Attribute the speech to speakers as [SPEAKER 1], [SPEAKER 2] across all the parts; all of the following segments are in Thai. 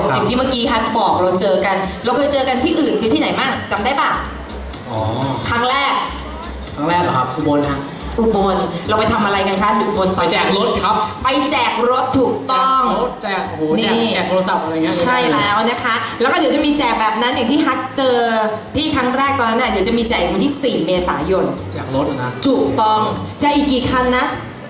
[SPEAKER 1] อย่างที่เมื่อกี้ฮัทบอกเราเจอกัน เราเคยเจอกันที่อื่นคือที่ไหนบ้างจำได้ปะ
[SPEAKER 2] อ๋อ
[SPEAKER 1] ครั้งแรก
[SPEAKER 2] ครั้งแรกเหรอครับอุบลฮะ
[SPEAKER 1] อุบลเราไปทำอะไรกันคะอุบล
[SPEAKER 2] ไปแจกรถครับ
[SPEAKER 1] ไปแจกรถถูกต้อง
[SPEAKER 2] แจกโอ้โหแจกโทรศัพท์อะไรเงี้ย
[SPEAKER 1] ใช่แล้วนะคะ แล้วก็เดี๋ยวจะมีแจกแบบนั้นอย่างที่ฮัทเจอพี่ครั้งแรกตอนนั้นน่ะเดี๋ยวจะมีแจกวันที่ 4 เมษายน
[SPEAKER 2] แจกรถนะ
[SPEAKER 1] ถูกต้องแจกอีกกี่คันนะ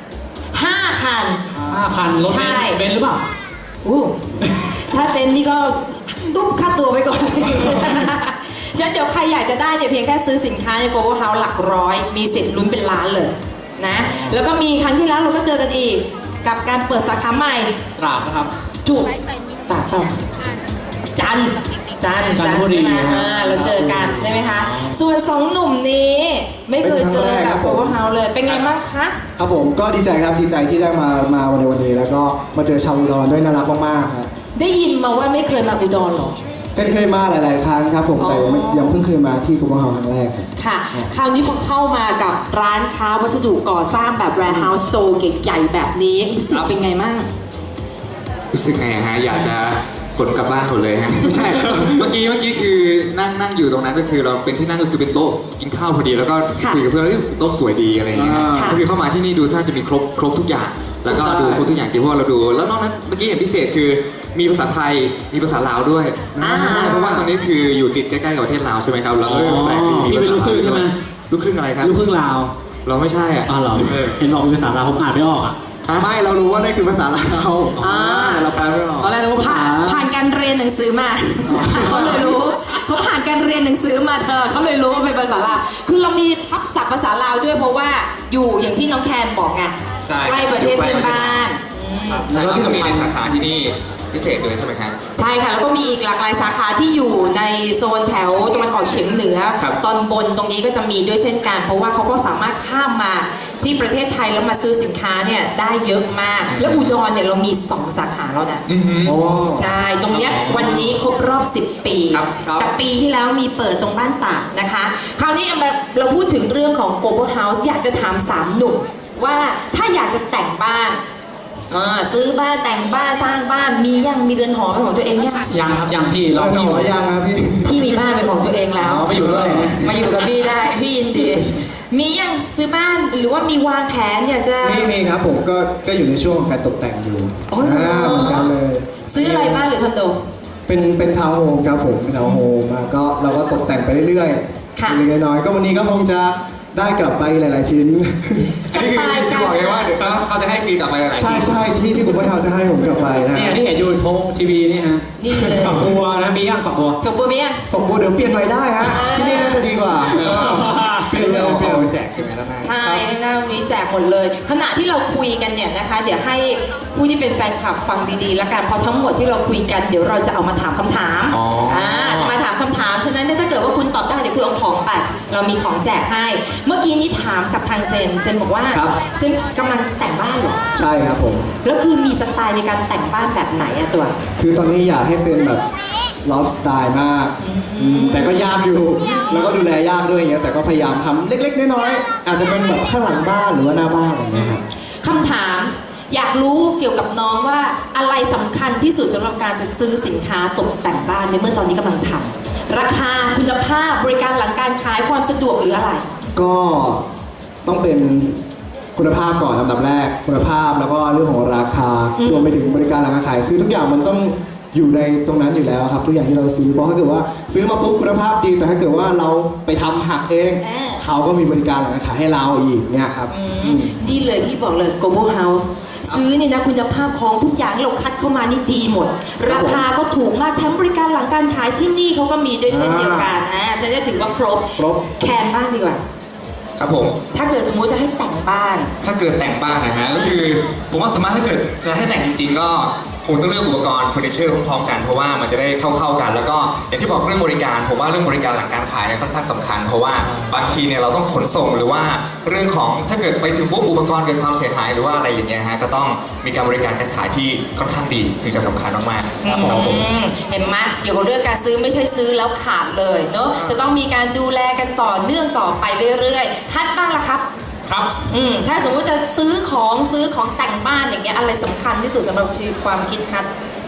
[SPEAKER 1] 5 คัน
[SPEAKER 2] 5 คันรถ
[SPEAKER 1] ใช่
[SPEAKER 2] เบนซ์หรือเปล่า
[SPEAKER 1] อู้ถ้าเป็นนี่ก็ตุ๊บค่าตัวไปก่อน ฉะนั้นเดี๋ยวใครอยากจะได้เนี่ยเพียงแค่ซื้อสินค้าใน Global House หลักร้อยมีสิทธิ์ลุ้นเป็นล้านเลยนะแล้วก็มีครั้งที่แล้วเราก็เจอกันอีกกับการเปิดสาขาใหม่
[SPEAKER 2] ตราดนะครับ
[SPEAKER 1] ถูกตากต้องจันทร์
[SPEAKER 2] จันทบุรี
[SPEAKER 1] ใช่ไหมเราเจอกันใช่ไหมคะส่วน2 หนุ่มนี้ไม่เคยเจอกับ Global House เลยเป็นไงบ้างคะ
[SPEAKER 3] ครับผมก็ดีใจครับดีใจที่ได้มาวันในวันนี้แล้วก็มาเจอชาวอุดรด้วยน่ารักมากๆครับ
[SPEAKER 1] ได้ยินมาว่าไม่เคยมาอุดรหรอ
[SPEAKER 3] เช่นเคยมาหลายๆครั้งครับผมแต่ยังเพิ่งเคยมาที่กรุงเทพครั้งแรกครับ
[SPEAKER 1] ค่ะ คราวนี้พอเข้ามากับร้านค้าวัสดุก่อสร้างแบบ warehouse store ใหญ่ๆแบบนี้รู้สึกเป็นไงบ้าง
[SPEAKER 4] รู้สึกไงฮะอยากจะขนกลับบ้านหมดเลยฮะไม่ใช่ เมื่อกี้คือนั่งอยู่ตรงนั้นก็คือเราเป็นที่นั่งก็คือเป็นโต๊ะกินข้าวพอดีแล้วก็
[SPEAKER 1] ค่ะ
[SPEAKER 4] คุยกับเพื่อนแล้วโต๊ะสวยดีอะไรอย่างเงี้ย
[SPEAKER 1] ค่ะ
[SPEAKER 4] ก็คือเข้ามาที่นี่ดูถ้าจะมีครบทุกอย่าง แล้วก็ดูครบทุกอย่างจริงเพราะว่าเราดู แล้วนอกนั้นเมื่อกี้เห็นพิเศษคือมีภาษาไทยมีภาษาลาวด้วยเพราะว่าตรงนี้คืออยู่ติดใกล้ๆกับประเทศลาวใช่ไหมครับแล้วก็แปลกดีมี
[SPEAKER 2] พี่
[SPEAKER 4] ภา
[SPEAKER 2] เป็น
[SPEAKER 4] ษา
[SPEAKER 2] ลูกครึ่งใช่ไหม
[SPEAKER 4] ลูกครึ่งอะไรครับ
[SPEAKER 2] ลูกครึ่งลาว
[SPEAKER 4] เราไม่ใช่อ่ะ
[SPEAKER 2] อ๋อเหรอเห็นบอกเป็นภาษาลาวผมอ่านไม่ออกอ่ะ
[SPEAKER 3] ไม่เรารู้ว่านั่นคือภาษาลาว เราแปลไม่ออก
[SPEAKER 2] ตอนแรกนึกว่าภาษา
[SPEAKER 1] ผ่านการเรียนหนังสือมาเขาเลยรู้เขาผ่านการเรียนหนังสือมาเธอเขาเลยรู้ว่าเป็นภาษาลาวคือเรามีทับศัพท์ภาษาลาวด้วยเพราะว่าอยู่อย่างที่น้องแคนบอกไง
[SPEAKER 4] ใช่
[SPEAKER 1] ใกล้ประเทศเพื่อนบ้าน
[SPEAKER 4] แล้วก็มีในสาขาที่นี่พิเศษเลยใช่ไหมครับ
[SPEAKER 1] ใช่ค่ะแล้วก็มีอีกหลากหลายสาขาที่อยู่ในโซนแถวตะวันออกเฉียงเหนือ
[SPEAKER 4] ครับ
[SPEAKER 1] ตอนบนตรงนี้ก็จะมีด้วยเช่นกัน เพราะว่าเขาก็สามารถข้ามมาที่ประเทศไทยแล้วมาซื้อสินค้าเนี่ยได้เยอะมาก แล้วอุดรเนี่ยเรามี 2 สาขาแล้วนะ
[SPEAKER 3] โอ้
[SPEAKER 1] ใช่ ตรงเนี้ยวันนี้ครบรอบ 10 ปี
[SPEAKER 4] ครับ
[SPEAKER 1] แต่ปีที่แล้วมีเปิดตรงบ้านตากนะคะ คราวนี้เราพูดถึงเรื่องของ Global House อยากจะถาม 3 หนุ่มว่าถ้าอยากจะแต่งบ้านซื้อบ้านแต่งบ้านสร้างบ้านมีเรือนหอเป็นของตัวเองยัง
[SPEAKER 2] ยังครับยังพี่
[SPEAKER 3] เรา
[SPEAKER 2] เรา
[SPEAKER 3] ห
[SPEAKER 2] ไม่
[SPEAKER 3] น
[SPEAKER 2] อยู่
[SPEAKER 3] อยังครับพี่
[SPEAKER 1] พี่มีบ้านเป็นของตัวเองแล้ว
[SPEAKER 2] อ๋อไปอยู่ด้วย
[SPEAKER 1] มาอยู่กับพี่ได้พี่ยินดีมียังซื้อบ้านหรือว่ามีวางแผนอยากจะ
[SPEAKER 3] มีครับผมก็อยู่ในช่วงของการตกแต่งอยู่
[SPEAKER 1] อ๋อเหรอ
[SPEAKER 3] เหมือนกันเลย
[SPEAKER 1] ซื้ออะไรบ้านหรือคอนโด
[SPEAKER 3] เป็นทาวน์โฮมครับผมเป็นทาวน์โฮมมาก็เราก็ตกแต่งไปเรื่อย
[SPEAKER 1] ค่ะ
[SPEAKER 3] ๆเล็กๆน้อยๆก็วันนี้ก็คงจะได้กลับไปหลาย ๆ ชิ้น
[SPEAKER 4] อันนี้คือบอกเลยว่าเดี๋ยวเขาจะให้ฟรีกลับไปหลายๆ
[SPEAKER 3] ใช่
[SPEAKER 4] ที่
[SPEAKER 3] ใช่ที่คุณพ่อเทาจะให้ผมกลับไปนะ
[SPEAKER 2] นี่ที่เห็นอยู่โทงทีวีนี่ฮะ
[SPEAKER 1] นี่เลย
[SPEAKER 2] ฝักบัวนะมีย่างฝักบัว
[SPEAKER 1] จบบัวมียัง
[SPEAKER 3] ผมบอกเดี๋ยวเปลี่ยนใหม่ได้ฮะที่นี่น่าจะดีกว่าเปลี่ยนเลย
[SPEAKER 4] เอา
[SPEAKER 3] เปลี่ยน
[SPEAKER 4] ไปแจกใช่ไหมด้านหน้า
[SPEAKER 1] ใช่หน้าวันนี้แจกหมดเลย ขณะที่เราคุยกันเนี่ยนะคะ เดี๋ยวให้ผู้ที่เป็นแฟนคลับฟังดีๆ แล้วกันเพราะทั้งหมดที่เราคุยกันเดี๋ยวเราจะเอามาถามคำถาม
[SPEAKER 4] อ๋ออ่
[SPEAKER 1] จะมาถามคำถามฉะนั้นเนี่ยถ้าเกิดว่าคุณตอบได้เดี๋ยวคุณเอาของไปเรามีของแจกให้ เมื่อกี้นี้ถามกับทางเซนบอกว่าเซนกำลังแต่งบ้านเหรอ
[SPEAKER 3] ใช่ครับผม
[SPEAKER 1] แล้วคือมีสไตล์ในการแต่งบ้านแบบไหนอะตัว
[SPEAKER 3] คือตอนนี้อยากให้เป็นแบบลอฟสไตล์มากแต่ก็ยากอยู่ แล้วก็ดูแลยากด้วยอย่างเงี้ยแต่ก็พยายามทำเล็กๆน้อยๆอาจจะเป็นแบบข้างหลังบ้านหรือว่าหน้าบ้านอะไรอย่างเงี้ยครับ
[SPEAKER 1] คำถามอยากรู้เกี่ยวกับน้องว่าอะไรสำคัญที่สุดสำหรับการจะซื้อสินค้าตกแต่งบ้านในเมื่อตอนนี้กำลังทำราคาคุณภาพบริการหลังการขายความสะดวกหรืออะไร
[SPEAKER 3] ก็ต้องเป็นคุณภาพก่อนลำดับแรกคุณภาพแล้วก็เรื่องของราคารวมไปถึงบริการหลังการขายคือทุกอย่างมันต้องอยู่ในตรงนั้นอยู่แล้วครับทุกอย่างที่เราซื้อเพราะถ้าเกิดว่าซื้อมาปุ๊บคุณภาพดีแต่ถ้าเกิดว่าเราไปทำหักเอง เขาก็มีบริการหลังการขายให้เราอีกเนี่ยครับ
[SPEAKER 1] ดีเลยพี่บอกเลย Global House ซื้อเนี่ยนะคุณภาพของทุกอย่างที่เราคัดเข้ามานี่ดีหมด ราคาก็ถูกมากแถมบริการหลังการขายที่นี่เขาก็มีด้วยเช่นเดียวกันฉันจะถือว่าครบแคนบ้างดีกว่า
[SPEAKER 4] ครับผม
[SPEAKER 1] ถ้าเกิดสมมุติจะให้แต่งบ้าน
[SPEAKER 4] ถ้าเกิดแต่งบ้านนะฮะก็คือผมว่าสามารถถ้าเกิดจะให้แต่งจริงๆก็คงต้องเลือกอุปกรณ์เฟอร์นิเจอร์พร้อมๆกันเพราะว่ามันจะได้เข้ากันแล้วก็อย่างที่บอกเรื่องบริการผมว่าเรื่องบริการหลังการขายเนี่ยค่อนข้างสำคัญเพราะว่าบางทีเนี่ยเราต้องขนส่งหรือว่าเรื่องของถ้าเกิดไปถึงปุ๊บอุปกรณ์เกิดความเสียหายหรือว่าอะไรอย่างเงี้ยฮะก็ต้องมีการบริการการขายที่ค่อนข้างดีถึงจะสำคัญมากๆครับผม
[SPEAKER 1] เห็นไหมเกี่ยวกับเรื่องการซื้อไม่ใช่ซื้อแล้วขาดเลยเนาะจะต้องมีการดูแลกันต่อเนื่องต่อไปเรื่อยๆฮัทบ้างล่ะครับ
[SPEAKER 2] ครับ
[SPEAKER 1] ถ้าสมมติจะซื้อของแต่งบ้านอย่างเงี้ยอะไรสำคัญที่สุดสำหรับชีวิตความคิดฮัท
[SPEAKER 4] ส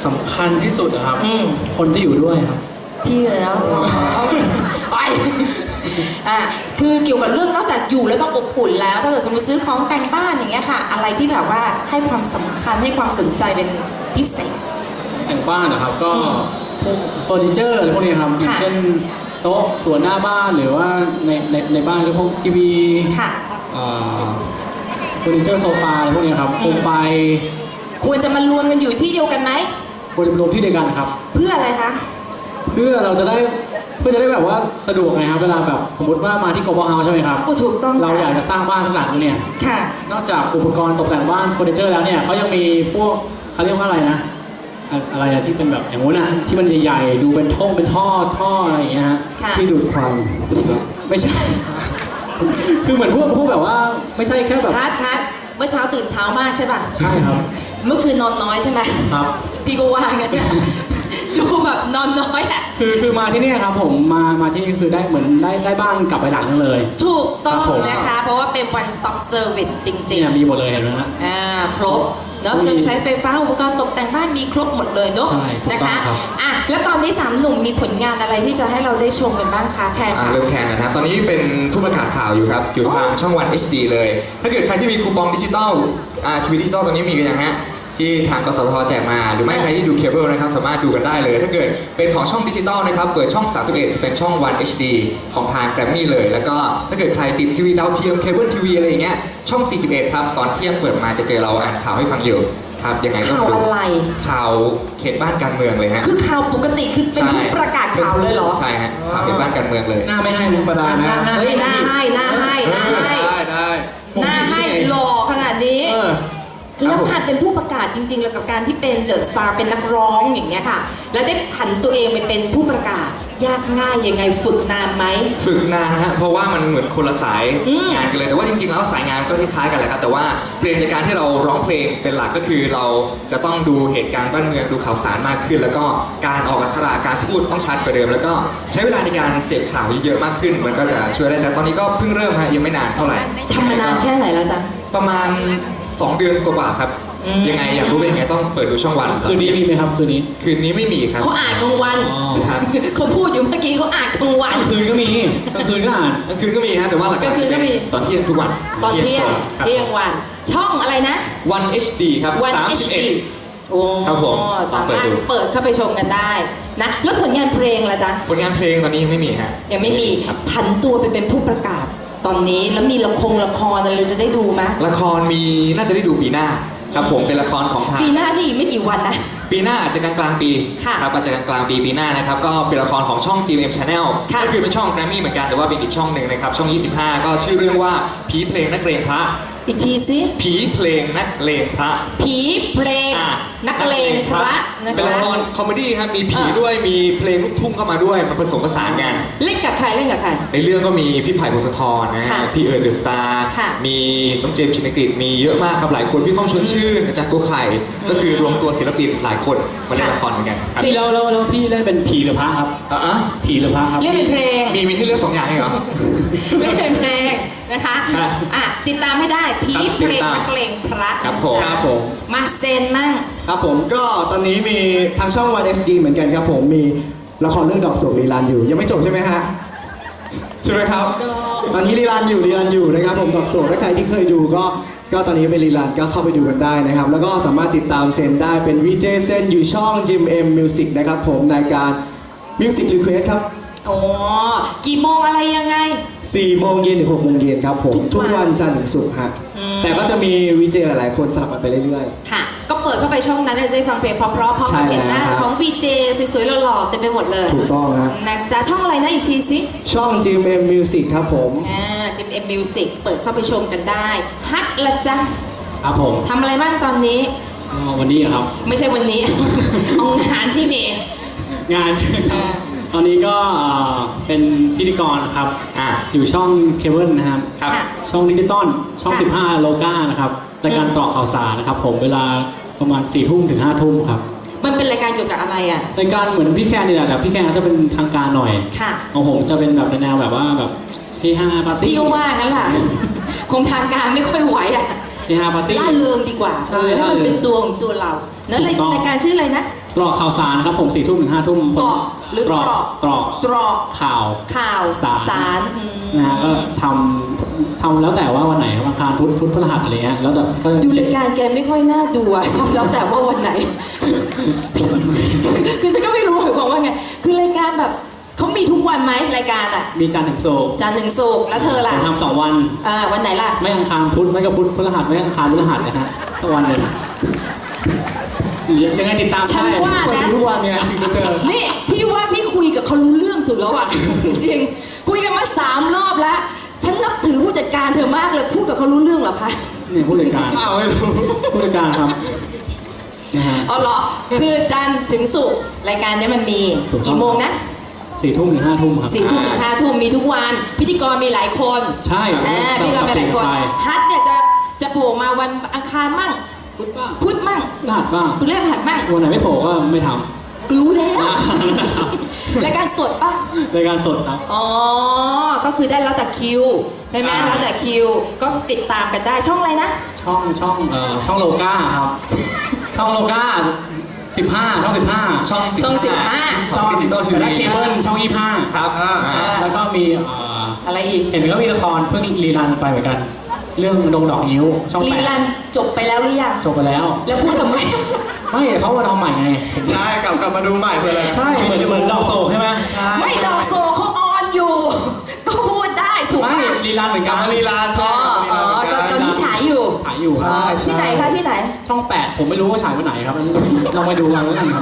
[SPEAKER 2] สำคัญที่สุดนะครับ
[SPEAKER 1] อืม
[SPEAKER 2] คนที่อยู่ด้วยครับ
[SPEAKER 1] พี่เลยนะไปคือเกี่ยวกับเรื่องนอกจากอยู่แล้วต้องอบอุ่นแล้วถ้าเกิดสมมติซื้อของแต่งบ้านอย่างเงี้ยค่ะ อะไรที่แบบว่าให้ความสำคัญให้ความสนใจเป็นพิเศษ
[SPEAKER 2] แต่งบ้านนะครับก็
[SPEAKER 1] อืม
[SPEAKER 2] พวกเฟอร์นิเจอร์อะไรพวกนี้ครับอย่าง
[SPEAKER 1] ค่ะ
[SPEAKER 2] เช่นโต๊ะส่วนหน้าบ้านหรือว่าในบ้านก็พวกทีวี
[SPEAKER 1] ค่ะ
[SPEAKER 2] เฟอร์นิเจอร์โซฟาอะไรพวกนี้ครับโคมไฟ
[SPEAKER 1] ควรจะมารวมกันอยู่ที่เดียวกันไหม
[SPEAKER 2] ควรจะรวมที่เดียวกันครับ
[SPEAKER 1] เพื่ออะไรคะ
[SPEAKER 2] เพื่อจะได้แบบว่าสะดวกไงครับเวลาแบบสมมติว่ามาที่ Global House ใช่ไหมครับ
[SPEAKER 1] โอ้ถูกต้อง
[SPEAKER 2] เราอยากจะสร้างบ้านทั้งหลังเนี่ย
[SPEAKER 1] ค่ะ
[SPEAKER 2] นอกจากอุปกรณ์ตกแต่งบ้านเฟอร์นิเจอร์แล้วเนี่ยเขายังมีพวกเขาเรียกว่าอะไรนะอะไรอะที่เป็นแบบอย่างงู้นอะที่มันใหญ่ๆดูเป็นท่ออะไรอย่างเงี้ยฮะ
[SPEAKER 1] ค่ะ
[SPEAKER 3] ที่ดูดควัน
[SPEAKER 2] ไม่ใช่ คือเหมือนพวกแบบว่าไม่ใช่แค่แบบ
[SPEAKER 1] พัดเมื่อเช้าตื่นเช้ามากใช่ป่ะ
[SPEAKER 2] ใช่ครับ
[SPEAKER 1] เมื่อคืนนอนน้อยใช่ไหม
[SPEAKER 2] ครับ
[SPEAKER 1] พี่ก็ว่างั้นนะ ดูแบบนอนน้อยอ่ะ
[SPEAKER 2] คือมาที่เนี่ยครับผมมาที่นี่คือได้เหมือนได้บ้านกลับไปหลังนึงเลย
[SPEAKER 1] ถูกต้อง
[SPEAKER 2] ครับผม
[SPEAKER 1] นะคะ เพราะว่าเป็น one stop service จริง
[SPEAKER 2] เนี่ยมีหมดเลยเห็นไหมฮะ
[SPEAKER 1] ครบแล้วเครื่องใช้ไฟฟ้าอุปกรณ์ตกแต่งบ้านมีครบหมดเลยเนอะ
[SPEAKER 2] ใช่ถูก
[SPEAKER 1] นะ
[SPEAKER 2] ต้อง
[SPEAKER 1] คะ
[SPEAKER 2] ครับ
[SPEAKER 1] แล้วตอนนี้3หนุ่มมีผลงานอะไรที่จะให้เราได้ชมกันบ้างคะแทนค่ะ
[SPEAKER 4] เริ่มแข่งนะครับ ตอนนี้เป็นผู้ประกาศข่าวอยู่ครับ อยู่ทางช่องวัน HD เลย ถ้าเกิดใครที่มีคูปองดิจิตอลทีวีดิจิตอลตอนนี้มีกันยังฮะ ที่ทางกสทแจกมา หรือไม่ใครที่ดูเคเบิลนะครับ สามารถดูกันได้เลย ถ้าเกิดเป็นของช่องดิจิตอลนะครับ เปิดช่อง 31 จะเป็นช่องวัน HD ของทางแกรมมี่เลย แล้วก็ถ้าเกิดใครติดทีวีดาวเทียมเคเบิลทีวีอะไรอย่างเงี้ย ช่อง 41 ครับ ตอนเที่ยงเปิดมาจะเจอเราอ่านข่าวให้ฟังอยู่ครับ ยังไงก็
[SPEAKER 1] ข่าว
[SPEAKER 4] ดู
[SPEAKER 1] อะไร
[SPEAKER 4] ข่าวเขตบ้านการเมืองเลยฮะ
[SPEAKER 1] คือข่าวปกติคือเป็นผู้ประกาศข่าวเลยเหรอ
[SPEAKER 4] ใช่ฮะ ข่าวเขตบ้านการเมืองเลย
[SPEAKER 2] หน้าไม่ให้นะ
[SPEAKER 3] ธรรมดานะ
[SPEAKER 1] เฮ้ยหน้าให้หน้าให้หน้าให้
[SPEAKER 3] ได้
[SPEAKER 1] หน้าให้หล่อขนาดนี้
[SPEAKER 4] เออ
[SPEAKER 1] แล้วการเป็นผู้ประกาศจริงๆ แล้วกับการที่เป็นเดอะสตาร์เป็นนักร้องอย่างเงี้ยค่ะ แล้วได้ผันตัวเองไปเป็นผู้ประกาศ ยากง่ายยังไงฝึกนานไหม
[SPEAKER 4] ฝึกนานฮะ เพราะว่ามันเหมือนคนละสาย
[SPEAKER 1] อืม
[SPEAKER 4] งานกันเลย แต่ว่าจริงๆ แล้วสายงานก็คล้ายๆกันแหละครับ แต่ว่าเปลี่ยนจากการที่เราร้องเพลงเป็นหลักก็คือเราจะต้องดูเหตุการณ์บ้านเมืองดูข่าวสารมากขึ้น แล้วก็การออกอักขระการพูดต้องชัดกว่าเดิม แล้วก็ใช้เวลาในการเสพข่าวเยอะๆมากขึ้น มันก็จะช่วยได้แต่ตอนนี้ก็เพิ่งเริ่มฮะยังไม่นานเท่าไหร่
[SPEAKER 1] ทำมานานแค่ไหนแล้วจ๊ะ
[SPEAKER 4] ประมาณ 2 เดือนกว่าๆครับ
[SPEAKER 1] อืม
[SPEAKER 4] ยังไงอยากรู้เป็นยังไงต้องเปิดดูช่องวัน
[SPEAKER 2] คืนนี้มีไหมครับคืนนี้
[SPEAKER 4] คืนนี้ไม่มีครับ
[SPEAKER 1] เขาอ่านกลางวัน
[SPEAKER 2] อ๋อ
[SPEAKER 4] ครับ
[SPEAKER 1] เขาพูดอยู่เมื่อกี้เขาอ่านกลางวัน
[SPEAKER 2] คืนก็มีกลางคืนก็อ่าน
[SPEAKER 4] กลางคืนก็มีฮะแต่ว่าหลักๆ
[SPEAKER 1] กลางคืนก็มี
[SPEAKER 4] ตอนเที่ยงทุกวัน
[SPEAKER 1] ตอนเที่ยง
[SPEAKER 4] ครับ
[SPEAKER 1] เที่ยงวัน ช่องอะไรนะ
[SPEAKER 4] วัน HD ครับ
[SPEAKER 1] วัน HD โอ้
[SPEAKER 4] ครับผม
[SPEAKER 1] สามารถเปิดเข้าไปชมกันได้นะแล้วผลงานเพลงล่ะจ๊ะ
[SPEAKER 4] ผลงานเพลงตอนนี้ยังไม่มีฮะ
[SPEAKER 1] ยังไม่มี
[SPEAKER 4] ครับ
[SPEAKER 1] ผันตัวไปเป็นผู้ประกาศ ตอนนี้แล้วมีละครอะไรเราจะได้ดูไหม
[SPEAKER 4] ละครมีน่าจะได้ดูปีหน้าครับผมเป็นละครของทาง
[SPEAKER 1] ปีหน้านี่อีกไม่กี่วันนะ
[SPEAKER 4] ปีหน้าอาจจะกลางๆปี
[SPEAKER 1] ค่ะ
[SPEAKER 4] ครับอาจจะกลางๆปีหน้านะครับก็เป็นละครของช่อง GMM Channel
[SPEAKER 1] ค่ะ
[SPEAKER 4] ก็คือเป็นช่องแกรมมี่เหมือนกันแต่ว่าเป็นอีกช่องหนึ่งนะครับช่อง 25 ก็ชื่อเรื่องว่าผีเพลงนักเลงพระ
[SPEAKER 1] อีกทีสิ
[SPEAKER 4] ผีเพลงนักเลงพระ
[SPEAKER 1] ผีเพลง
[SPEAKER 4] อ่ะ
[SPEAKER 1] นักเลงพระนะ
[SPEAKER 4] เป็นละ
[SPEAKER 1] คะ
[SPEAKER 4] ครคอมเมดี้ครับมีผี
[SPEAKER 1] อ่ะ
[SPEAKER 4] ด้วยมีเพลงลูกทุ่งเข้ามาด้วยมันผสมผสานกัน
[SPEAKER 1] เล่นกับใครเล่นกับใคร
[SPEAKER 4] ในเรื่องก็มีพี่ไผ่พงศธรนะ
[SPEAKER 1] ค่ะ
[SPEAKER 4] ฮะพี่เอิร์ธเดอะสตาร์
[SPEAKER 1] ค่ะ
[SPEAKER 4] มีน้องเจมส์ชินกฤษมีเยอะมากครับหลายคนพี่ก้องชวนชื่นอาจารย์โกไข่ก็คือรวมตัวศิลปินหลายคนมาเล่นละครเหมือนกันครับ
[SPEAKER 2] พี่แล้วพี่เล่นเป็นผีหรือพระครับ
[SPEAKER 4] อ่ะ
[SPEAKER 2] ผีหรือพระครับ
[SPEAKER 1] เล่นเป็นเพลง
[SPEAKER 4] มีให้เลือกสองอย่างให้เหรอ
[SPEAKER 1] เล่นเป็นเพลงนะคะ
[SPEAKER 4] ครับ
[SPEAKER 1] ติดตามให้ได้ผี
[SPEAKER 4] ครับ
[SPEAKER 1] เพลง
[SPEAKER 4] ติดตาม
[SPEAKER 1] นักเลงพระ
[SPEAKER 4] ครับผม
[SPEAKER 1] นะจ๊ะ
[SPEAKER 3] ครับผม
[SPEAKER 1] มาเซนมั่ง
[SPEAKER 3] ครับผมก็ตอนนี้มีทางช่องวัน SD เหมือนกันครับผมมีละครเรื่องดอกสวงรีรันอยู่ ยังไม่จบใช่ไหมฮะใช่ไหมครับตอนนี้รีรันอยู่นะครับผมดอกสวงถ้าใครที่เคยดูก็ตอนนี้เป็นรีรันก็เข้าไปดูกันได้นะครับ แล้วก็สามารถติดตามเซนได้เป็น VJ เซนอยู่ช่อง GMM Music นะครับผมในการ Music Request ครับ
[SPEAKER 1] โอ้กี่โมงอะไรยังไง
[SPEAKER 3] 4 โมงเย็นถึง 6 โมงเย็นครับผม
[SPEAKER 1] ทุ
[SPEAKER 3] ทุ
[SPEAKER 1] ก
[SPEAKER 3] ก
[SPEAKER 1] วัน
[SPEAKER 3] วันจันทร์ถึงศุกร์ฮะ
[SPEAKER 1] อืม
[SPEAKER 3] แต่ก็จะมีวีเจหลายๆคนสลับกันไปเรื่อย
[SPEAKER 1] ค่ะ ก็เปิดเข้าไปช่องนั้นจะได้ฟังเพลงเพราะๆพร้อม
[SPEAKER 3] ใช่
[SPEAKER 1] เห็นหน้า
[SPEAKER 3] แล้วครับ
[SPEAKER 1] ของ VJ สวยๆหล่อๆเต็มไปหมดเลย
[SPEAKER 3] ๆ ถูกต้องฮะ
[SPEAKER 1] นะจ๊ะช่องอะไรนะอีกทีสิ
[SPEAKER 3] ช่อง GMM Music ครับผม
[SPEAKER 1] จิมเอ็มมิวสิกเปิดเข้าไปชมกันได้ฮัทละจ๊ะ
[SPEAKER 2] ครับผม
[SPEAKER 1] ทำอะไรบ้างตอนนี้
[SPEAKER 2] วันนี้ครับ
[SPEAKER 1] ไม่ใช่วันนี้ เอางานที่มี
[SPEAKER 2] งาน
[SPEAKER 1] อ่า
[SPEAKER 2] ตอนนี้ก็เป็นพิธีกรนะครับ อยู่ช่องเคเบิลนะครับ
[SPEAKER 4] ครับ
[SPEAKER 1] ค่ะ
[SPEAKER 2] ช่องดิจิตอลช่อง
[SPEAKER 1] ค่ะ
[SPEAKER 2] 15 โลกานะครับรายการต่อข่าวสารนะครับผมเวลาประมาณ 4 ทุ่มถึง 5 ทุ่มครับ
[SPEAKER 1] มันเป็นรายการเกี่ยวกับอะไรอ่ะ
[SPEAKER 2] รายการเหมือนพี่แคนนี่แหละแต่พี่แคนจะเป็นทางการหน่อย
[SPEAKER 1] ค่ะ
[SPEAKER 2] ของผมจะเป็นแบบในแนวแบบว่าแบบที่5ปาร์ตี้
[SPEAKER 1] พี่ก็ว่างั้นแหละคงทางการไม่ค่อยไหวอ่ะ
[SPEAKER 2] ที่5ปาร์ตี้
[SPEAKER 1] ล่าเริงดีกว่า
[SPEAKER 2] ใช่
[SPEAKER 1] ให้มัน
[SPEAKER 2] ล่าเริง
[SPEAKER 1] เป็นตัวของตัวเรานั่น
[SPEAKER 2] ถูกต้อง
[SPEAKER 1] รายการชื่ออะไรนะ
[SPEAKER 2] ตรอกข่าวสารครับผม4 ทุ่มถึง5 ทุ่ม
[SPEAKER 1] ตรอกหรือ
[SPEAKER 2] ตรอก
[SPEAKER 1] ตรอก
[SPEAKER 2] ตรอกข่าว
[SPEAKER 1] ข่าว
[SPEAKER 2] สาร
[SPEAKER 1] อืม
[SPEAKER 2] นะฮะก็ทำแล้วแต่ว่าวันไหนวันอังคารพุธพฤหัสอะไรเงี้ยแล้วแต่ก็
[SPEAKER 1] ดูรายการแกไม่ค่อยน่าดูอะ แล้วแต่ว่าวันไหน คือฉันก็ไม่รู้หมายความว่าไง คือรายการแบบเขามีทุกวันไหมรายการอะ
[SPEAKER 2] มีจันทร์ถึงศุกร์
[SPEAKER 1] จันทร์ถึงศุกร์แล้วเธอ
[SPEAKER 2] ผ
[SPEAKER 1] ล่ะ
[SPEAKER 2] มทำ2 วัน
[SPEAKER 1] วันไหนล่ะ
[SPEAKER 2] ไม่อังคารพุธไม่ก็พุธพฤหัสไม่อังคารพฤหัสนะฮะสักวันหนึ่งยังไงติดตาม
[SPEAKER 1] ฉัน
[SPEAKER 2] ได้
[SPEAKER 1] ว่า
[SPEAKER 3] เปิด
[SPEAKER 1] นะ
[SPEAKER 3] ดูทุกวันเนี่ยถึงจะเจอ
[SPEAKER 1] นี่พี่ว่าพี่คุยกับเขารู้เรื่องสุดแล้วอะ จริงๆคุยกันมา3 รอบแล้ว ฉันนับถือผู้จัดการเธอมากเลยพูดกับเขารู้เรื่องเหรอคะ
[SPEAKER 2] เนี่ยผู้จัดการ
[SPEAKER 3] อ้าวไม่รู้
[SPEAKER 2] ผู้จัดการครับนะฮะ
[SPEAKER 1] อ๋อเหรอ คือจันทร์ถึงศุกร์รายการเนี้ยมันมี
[SPEAKER 2] ถูกต้อง
[SPEAKER 1] กี่โมงนะ
[SPEAKER 2] 4 ทุ่มถึง5 ทุ่มครับ
[SPEAKER 1] 4 ทุ่มถึง5 ทุ่มมีทุกวัน พิธีกรมีหลายคน
[SPEAKER 2] ใช่
[SPEAKER 1] พิธีกรมีหลายคน
[SPEAKER 2] ไป
[SPEAKER 1] ฮัทเนี่ยจะโผล่มาวันอังคารมั่ง
[SPEAKER 2] พุธบ้าง
[SPEAKER 1] พุธมั่ง
[SPEAKER 2] พฤหัสบ้าง
[SPEAKER 1] พฤหัสมั่ง
[SPEAKER 2] วันไหนไม่โผล่ก็ไม่ท
[SPEAKER 1] รู้แล้ว
[SPEAKER 2] ำ
[SPEAKER 1] รายการสดป่ะ
[SPEAKER 2] รายการสดครับ
[SPEAKER 1] อ๋อ ก็คือได้แล้วแต่คิวใช่ไหมแล้วแต่คิว ก็ติดตามกันได้ช่องอะไรนะ
[SPEAKER 2] ช่องโลก้าครับ ช่องโลก้า15ช่อง15
[SPEAKER 4] ช่อง
[SPEAKER 1] ช่อง
[SPEAKER 4] ของดิจิตอลที
[SPEAKER 2] แต่
[SPEAKER 4] วี
[SPEAKER 2] ละเคเบิลช่อง25
[SPEAKER 4] ครับ
[SPEAKER 2] แล้วก็มี
[SPEAKER 1] อะไรอีก
[SPEAKER 2] เห็นก็มีละครเพิ่งรีรันไปเหมือนกัน เรื่องดงดอกนิ้วช่อง
[SPEAKER 1] รีรันจบไปแล้วหรือยัง
[SPEAKER 2] จบไปแล้ว
[SPEAKER 1] แล้วพูดทำไม
[SPEAKER 2] ไม่เขามาทำใหม่ไง
[SPEAKER 3] ใช่กลับมาดูใหม่เพื่ออะไร
[SPEAKER 2] ใช่เหมือนดอกโศกใช่ไหม
[SPEAKER 3] ใช่
[SPEAKER 1] ไม่ดอกโซเขาออนอยู่ ก็พูดได้ถูก
[SPEAKER 2] ไม่
[SPEAKER 1] ปะ
[SPEAKER 2] รีรันเหมือน
[SPEAKER 3] ก
[SPEAKER 2] กั
[SPEAKER 3] ลับ
[SPEAKER 2] น
[SPEAKER 3] มาลีลา
[SPEAKER 1] อ๋
[SPEAKER 3] ใช่
[SPEAKER 1] อตอนนี้ฉายอยู่
[SPEAKER 2] ถ่ายอยู่ครั
[SPEAKER 3] ใช่
[SPEAKER 2] บ
[SPEAKER 1] ที่ไหนคะที่ไหน
[SPEAKER 2] ช่อง 8 ผมไม่รู้ว่าฉายวันไหนครับอันนี้ลองไปดูกันแล้วกันครับ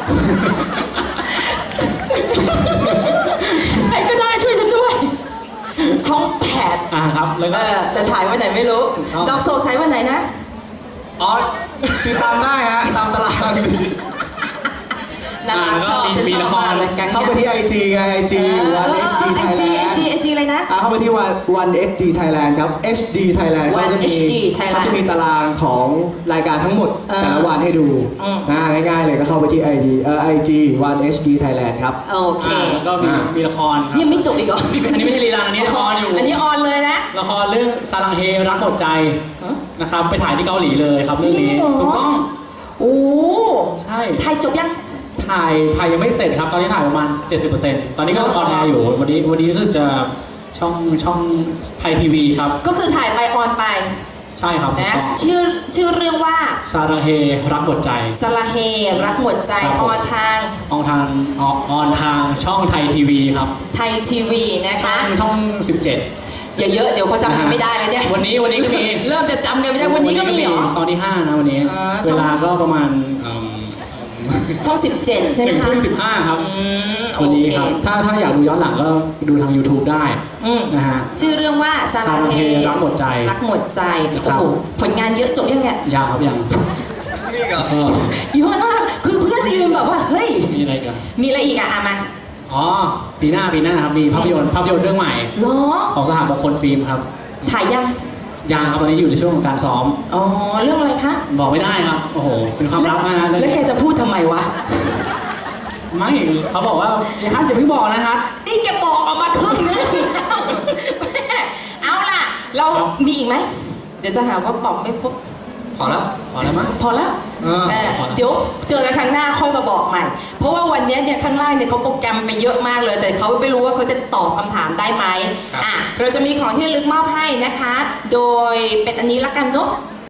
[SPEAKER 1] ใครก็ได้ช่วยฉันด้วย ช่องแปด
[SPEAKER 2] ครับแล้วก็
[SPEAKER 1] แต่ฉายวันไหนไม่รู้
[SPEAKER 2] ถูกต้อง
[SPEAKER 1] ดอกโซฉายวันไหนนะ
[SPEAKER 3] อ๋อคือตามได้ฮะตามตาราง
[SPEAKER 1] น่ารักชอบ
[SPEAKER 2] ก็มี
[SPEAKER 1] ฉัน
[SPEAKER 2] มี
[SPEAKER 1] ช
[SPEAKER 2] ละ
[SPEAKER 1] อบ
[SPEAKER 2] คร
[SPEAKER 1] มากเลยกัน
[SPEAKER 3] เข้าไปที่ IG ไง IG วัน HD
[SPEAKER 1] ไอจี
[SPEAKER 3] Thailand
[SPEAKER 1] ไอจีอะไรนะ
[SPEAKER 3] เข้าไปที่วัน HD Thailand ครับ HD Thailand
[SPEAKER 1] วัน
[SPEAKER 3] เขาจะมี
[SPEAKER 1] HD Thailand
[SPEAKER 3] เขาจะมีตารางของรายการทั้งหมด แต่ละวันให้ดู
[SPEAKER 1] อืม
[SPEAKER 3] ง่ายๆเลยก็เข้าไปที่ IG วัน HD Thailand ครับ
[SPEAKER 1] โอเค
[SPEAKER 2] แล้วก็มีละครครับ
[SPEAKER 1] ยังไม่จบอีกเหรอ
[SPEAKER 2] อันนี้ไม่ใช่รีรันอันนี้ละครอยู่
[SPEAKER 1] อันนี้ออนเลยนะ
[SPEAKER 2] ละครเรื่องซาลังเฮรักหมดใจ
[SPEAKER 1] ฮะ
[SPEAKER 2] นะครับไปถ่ายที่เกาหลีเลยครับเรื่องนี้
[SPEAKER 1] จริงเหรอ
[SPEAKER 2] ถูกต้อง
[SPEAKER 1] โอ้
[SPEAKER 2] ใช่
[SPEAKER 1] ไทยจบยัง
[SPEAKER 2] ถ่ายยังไม่เสร็จครับ ตอนนี้ถ่ายประมาณ 70%ตอนนี้ก็ออนแอร์อยู่วันนี้รู้สึกจะช่องไทยทีวีครับ
[SPEAKER 1] ก็คือถ่ายไปออนไป
[SPEAKER 2] ใช่ครับถูก
[SPEAKER 1] นะ
[SPEAKER 2] ต้อง
[SPEAKER 1] ชื่อเรื่องว่า
[SPEAKER 2] ซาลังเฮรักหมดใจ
[SPEAKER 1] สละเฮรักหมดใจ
[SPEAKER 2] ครับ
[SPEAKER 1] อ
[SPEAKER 2] ผม
[SPEAKER 1] อนทาง
[SPEAKER 2] ออนทางช่องไทยทีวีครับ
[SPEAKER 1] ไทยทีวีนะคะ
[SPEAKER 2] ช่อง 17
[SPEAKER 1] อย่าเยอะเดี๋ยวเขาจำกันไม่ได้แล้วเนี่ย
[SPEAKER 2] วันนี้ก็มี
[SPEAKER 1] เริ่มจะจำกันไม่ได้วันนี้ก็มีเหรอ
[SPEAKER 2] ตอนที่ 5 นะวันนี้
[SPEAKER 1] ช่อง
[SPEAKER 2] เวลาก็ประมาณ
[SPEAKER 1] ช่อง 17 ใช่ไหม
[SPEAKER 2] 1
[SPEAKER 1] คะ
[SPEAKER 2] ทุ่ม 15 ครับ
[SPEAKER 1] โอ
[SPEAKER 2] วันนี้
[SPEAKER 1] เค
[SPEAKER 2] ครับถ้าอยากดูย้อนหลังก็ดูทาง YouTube ได้
[SPEAKER 1] อืม
[SPEAKER 2] นะฮะ
[SPEAKER 1] ชื่อเรื่องว่าสา
[SPEAKER 2] สา
[SPEAKER 1] รา
[SPEAKER 2] รา
[SPEAKER 1] เฮ
[SPEAKER 2] เฮรักหมดใจ
[SPEAKER 1] รักหมดใจ
[SPEAKER 2] ครั
[SPEAKER 1] โอ้
[SPEAKER 2] บ
[SPEAKER 1] โหผลงานเยอะจบยังเนี่ย
[SPEAKER 2] ยาวครับยัง
[SPEAKER 4] นี่ก็
[SPEAKER 2] เออ
[SPEAKER 1] เยอะมากคือเพื่อนยืนแบบว่าเฮ้ย
[SPEAKER 2] มีอะไรกัน
[SPEAKER 1] มีอะไรอีกอ่ะมา
[SPEAKER 2] อ๋อปีหน้าครับมีภาพยนตร์เรื่องใหม่
[SPEAKER 1] เหรอ
[SPEAKER 2] ของสหมงคลฟิล์มครับ
[SPEAKER 1] ถ่ายยัง
[SPEAKER 2] ยังครับตอนนี้อยู่ในช่วงของการซ้อม
[SPEAKER 1] อ๋อเรื่องอะไรคะ
[SPEAKER 2] บอกไม่ได้ครับโอ้โหเป็นความลับมากนะเรื่อง
[SPEAKER 1] แล้วแก
[SPEAKER 2] นี้
[SPEAKER 1] จะพูดทำไมวะ
[SPEAKER 2] ไม่เขาบอกว่าอย่าเพิ่งบอกนะครับ
[SPEAKER 1] นี่แกบอกออกมาครึ่งนึงแม่เอาล่ะ เรา
[SPEAKER 2] ครับ
[SPEAKER 1] มีอีกไหมเดี๋ยวจะหาว่าบอกไม่พบ
[SPEAKER 4] พอแล้ว
[SPEAKER 2] พอแล้วมั้ง
[SPEAKER 1] พอแล้ว
[SPEAKER 3] เออ
[SPEAKER 1] เดี๋ยวเจอกันครั้งหน้าค่อยมาบอกใหม่ เพราะว่าวันนี้เนี่ยข้างล่างเนี่ยเขาโปรแกรมไปเยอะมากเลย แต่เขาไม่รู้ว่าเขาจะตอบคำถามได้ไหม
[SPEAKER 4] ครับ
[SPEAKER 1] เราจะมีของที่ระลึกมอบให้นะคะ โดยเป็นอันนี้ละกันเนาะ